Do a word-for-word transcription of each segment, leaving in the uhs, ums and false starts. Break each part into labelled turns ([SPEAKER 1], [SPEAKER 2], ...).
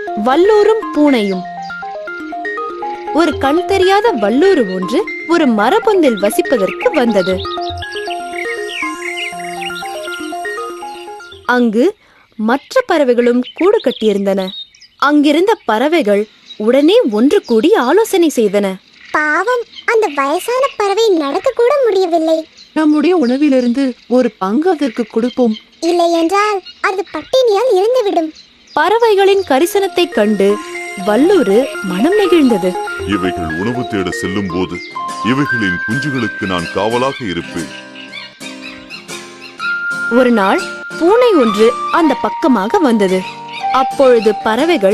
[SPEAKER 1] வல்லூரும் பூனையும். ஒரு கண் தெரியாத வல்லூரு ஒன்று ஒரு மரபொந்தில் வசிப்பதற்கு வந்தது. அங்கு மற்ற பறவைகளும் கூடு கட்டியிருந்தன. அங்கிருந்த பறவைகள் உடனே ஒன்று கூடி ஆலோசனை செய்தன.
[SPEAKER 2] பாவம், அந்த வயசான பறவை நடக்க கூட முடியவில்லை.
[SPEAKER 3] நம்முடைய உணவிலிருந்து ஒரு பங்கு அதற்கு கொடுப்போம்.
[SPEAKER 2] இல்லை என்றால் அது பட்டினியால் இறந்துவிடும்.
[SPEAKER 1] பறவைகளின் கரிசனத்தை கண்டு வல்லூரு மனம் நெகிழ்ந்தது.
[SPEAKER 4] இவைகள் உணவு தேட செல்லும் போது இவைகளின் குஞ்சுகளுக்கு நான் காவலாக இருப்பேன்.
[SPEAKER 1] ஒரு நாள் பூனை ஒன்று அந்த பக்கமாக வந்தது. அப்பொழுது பறவைகள்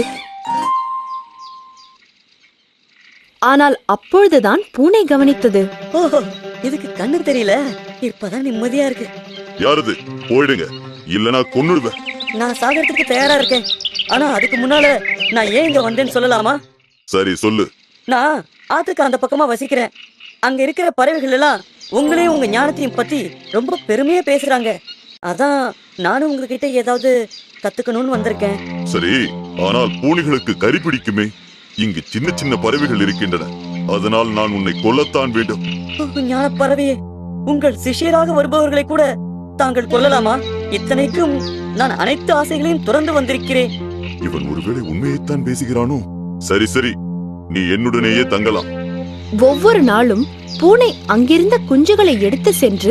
[SPEAKER 1] ஆனால் அப்பொழுதுதான் பூனை கவனித்தது.
[SPEAKER 5] ஓஹோ, இதுக்கு கண்ணு தெரியல. இப்பதான் நிம்மதியா இருக்கு.
[SPEAKER 4] யாரது? போயிடுங்க, இல்லனா கொன்னுடுவேன்.
[SPEAKER 5] நான் சாகறதுக்கு தயாரா இருக்கேன். ஆனா அதுக்கு முன்னால நான் ஏன் இங்க வந்தேன்னு சொல்லலாமா?
[SPEAKER 4] சரி, சொல்லு.
[SPEAKER 5] நான் ஆத்துக்கு அந்த பக்கமா வசிக்கிறேன். அங்க இருக்கிற பறவைகள் எல்லாம் உங்களையும் உங்க ஞானத்தையும் பத்தி ரொம்ப பெருமையா பேசுறாங்க. அதான் நானும் உங்ககிட்ட ஏதாவது கத்துக்கணும்னு வந்திருக்கேன்.
[SPEAKER 4] சரி, ஆனால் பூனைகளுக்கு கறி பிடிக்குமே. இங்கு சின்ன சின்ன பறவைகள் இருக்கின்றன. அதனால் நான் உன்னை கொல்லத்தான் வேண்டும்.
[SPEAKER 5] ஞான பறவையே, உங்கள் சிஷ்யராக வருபவர்களை கூட தாங்கள் கொல்லலாமா? இத்தனைக்கும் நான் அனைத்து ஆசைகளையும் துறந்து வந்திருக்கிறேன்.
[SPEAKER 4] இவன் ஒருவேளை உண்மையைத்தான் பேசுகிறானோ? சரி சரி, நீ என்னுடனேயே தங்கலாம்.
[SPEAKER 1] ஒவ்வொரு நாளும் பூனை அங்கிருந்த குஞ்சுகளை எடுத்து சென்று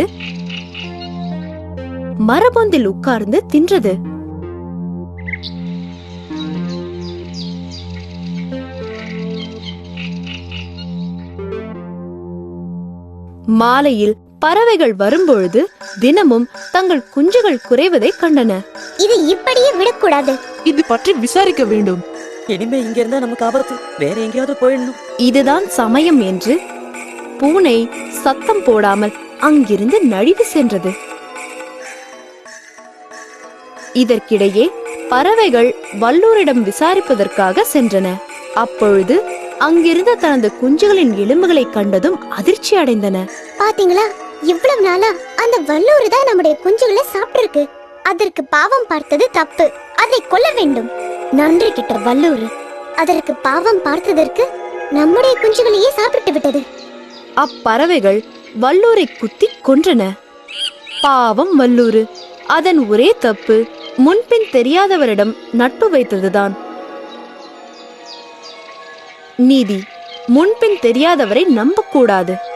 [SPEAKER 1] மரபொந்தில் உட்கார்ந்து தின்றது. மாலையில் பறவைகள் வரும்பொழுது தினமும் தங்கள் குஞ்சுகள் குறைவதை கண்டன.
[SPEAKER 2] இது இப்படியே விடக்கூடாது.
[SPEAKER 3] இது பற்றி விசாரிக்க வேண்டும்.
[SPEAKER 5] இனிமே இங்க இருந்தா நமக்கு ஆபத்து. வேற எங்கேயாவது போயிடணும்.
[SPEAKER 1] இதுதான் சமயம் என்று பூனை சத்தம் போடாமல் அங்கிருந்து நழுவி சென்றது. இதற்கிடையே பறவைகள் வல்லூரிடம் விசாரிப்பதற்காக சென்றன. அப்பொழுது அங்கிருந்த தனது குஞ்சுகளின் எலும்புகளை கண்டதும் அதிர்ச்சி அடைந்தன.
[SPEAKER 2] பாத்தீங்களா, இவ்வளவு நாளா அந்த வல்லூரு தான் நம்முடைய குஞ்சுகளை சாப்பிட்டிருக்கு. அதற்கு பாவம் பார்த்தது தப்பு. அதை கொல்ல வேண்டும். நன்றி கிட்ட வல்லூரு. அதற்கு பாவம் பார்த்ததற்கு நம்முடைய குஞ்சுகளையே சாப்பிட்டு விட்டது.
[SPEAKER 1] அப்பறவைகள் வல்லூரை குத்தி கொன்றன. பாவம் வல்லூரு. அதன் ஒரே தப்பு முன்பின் தெரியாதவரிடம் நட்பு வைத்ததுதான். நீதி: முன்பின் தெரியாதவரை நம்பக்கூடாது.